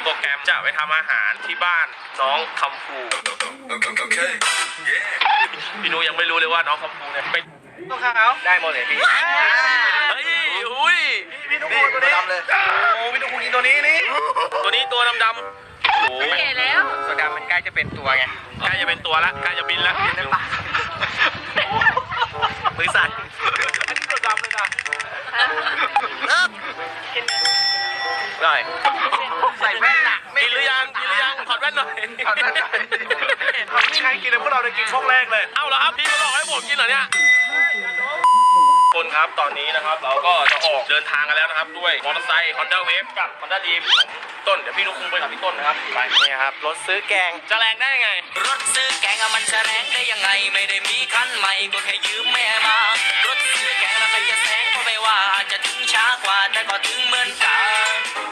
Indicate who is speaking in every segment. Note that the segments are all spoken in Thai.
Speaker 1: โปรแกรมจะไปทำอาหารที่บ้านน้องคำภูพี่นุยังไม่รู้เลยว่าน้องคำภูเนี่ยเป็นต้องข้าวได้หมดเลยพี่เฮ้ยอุ้ยพี่นุ๊กตัวนี้เลยโอ้พี่นุ๊กกินตัวนี้นี่ตัวดำๆโอ้เก๋แล้วตัวดำมันใกล้จะเป็นตัวไงใกล้จะเป็นตัวละใกล้จะบินละในปากมือสั่นอันนี้ตัวดำเลยนะกินหน่อยใส่แว่นหนักกินหรือยังถอดแว่นหน่อยถอดแว่นหน่อยใครกินเลยพวกเราได้กินช่องแรกเลยเอ้าเหรอครับพี่มาบอกให้ผมกินเหรอเนี่ยคนครับตอนนี้นะครับเราก็จะออกเดินทางกันแล้วนะครับด้วยมอเตอร์ไซค์ Honda Wave กับ Honda Dream ของต้นเดี๋ยวพี่นุ๊กคุงไปกับพี่ต้นนะครับไปนี่ครับรถซื้อแกงจะแรงได้ไงรถซื้อแกงมันจะแรงได้ยังไงไม่ได้มีคันใหม่ก็แค่ยืมแม่มารถซื้อแกงแล้วใครจะแซงก็ไม่ว่าจะถึงช้ากว่าแต่ก็ถึงเหมือนกัน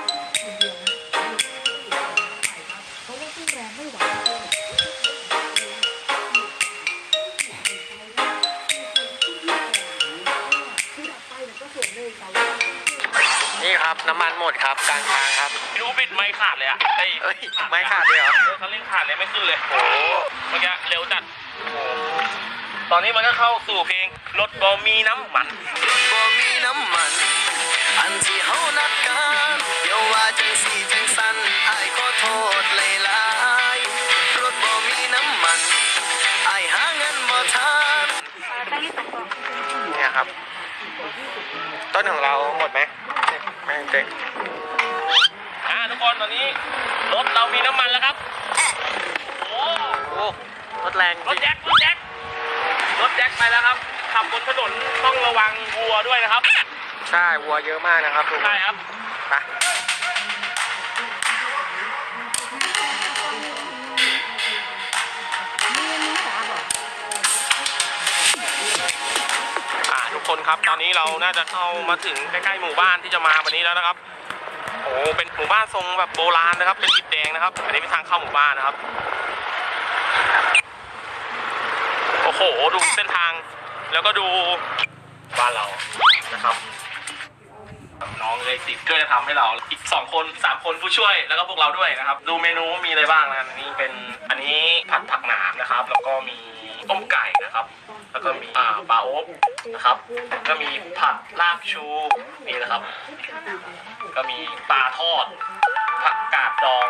Speaker 1: นี่ครับน้ำมันหมดครับกลางทางครับพี่รู้บิดไม่ขาดเลยอ่ะเฮ้ยไม่ขาดเลยเหรอเขาเร่งขาดเลยไม่ขึ้นเลยโอ้เมื่อกี้เร็วจัดตอนนี้มันก็เข้าสู่เพลงรถบ่มีน้ำมันรถบ่มีน้ำมันอันที่เฮานัดกันเดี๋ยวว่าจังสี่จังสันอ้ายขอโทษหลายๆรถบ่มีน้ำมันอ้ายหาเงินบ่ทันเนี่ยครับต้นของเราหมดไหมไม่เจ๊งทุกคนตอนนี้รถเรามีน้ำมันแล้วครับโอ้รถแรงรถแจ็คไปแล้วครับขับบนถนนต้องระวังวัวด้วยนะครับใช่วัวเยอะมากนะครับใช่ครับไปทุกคนครับตอนนี้เราน่าจะเข้ามาถึงใกล้ๆหมู่บ้านที่จะมาวันนี้แล้วนะครับโอ้เป็นหมู่บ้านทรงแบบโบราณนะครับเป็นอิฐแดงนะครับอันนี้เป็นทางเข้าหมู่บ้านนะครับโอ้โหดูเส้นทางแล้วก็ดูบ้านเรานะครับน้องเลย10ก็จะทำให้เราอีก2คน3คนผู้ช่วยแล้วก็พวกเราด้วยนะครับดูเมนูมีอะไรบ้างนะนี่เป็นอันนี้ผัดผักหนามนะครับแล้วก็มีต้มไก่นะครับแล้วก็มีปลาโอ๊บนะครับก็มีผัดลาบชูนี่นะครับก็มีปลาทอดผักกาดดอง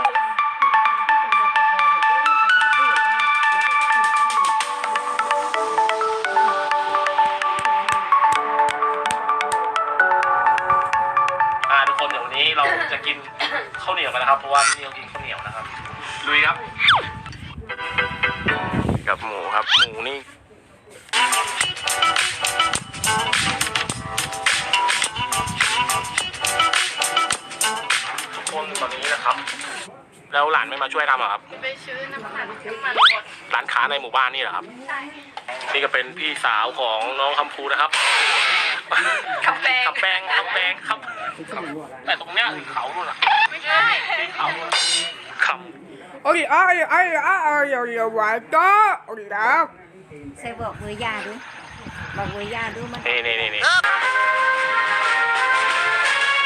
Speaker 1: ทุกคนเดี๋ยววันนี้เราจะกินข้าวเหนียวกันนะครับเพราะว่าที่นี่เรากินข้าวเหนียวนะครับลุยครับกับหมูครับหมูนี่ทุกคนตอนนี้นะครับแล้วหลานไม่มาช่วยทำหรอครับ
Speaker 2: ไปซื้อน้ำมันหมด
Speaker 1: ร้านค้าในหมู่บ้านนี่เหรอครับใช่นี่ก็เป็นพี่สาวของน้องคำภูนะครับ
Speaker 2: ขับแปง
Speaker 1: ครับแต่ตรงเนี้ยเขาดูนะ
Speaker 2: ไม่ใช่
Speaker 1: เขาคำ
Speaker 3: โอ้ยโอ้ยดาว
Speaker 4: ใส่บอกมือยาดูบอกมือยาดูมัน
Speaker 1: นี่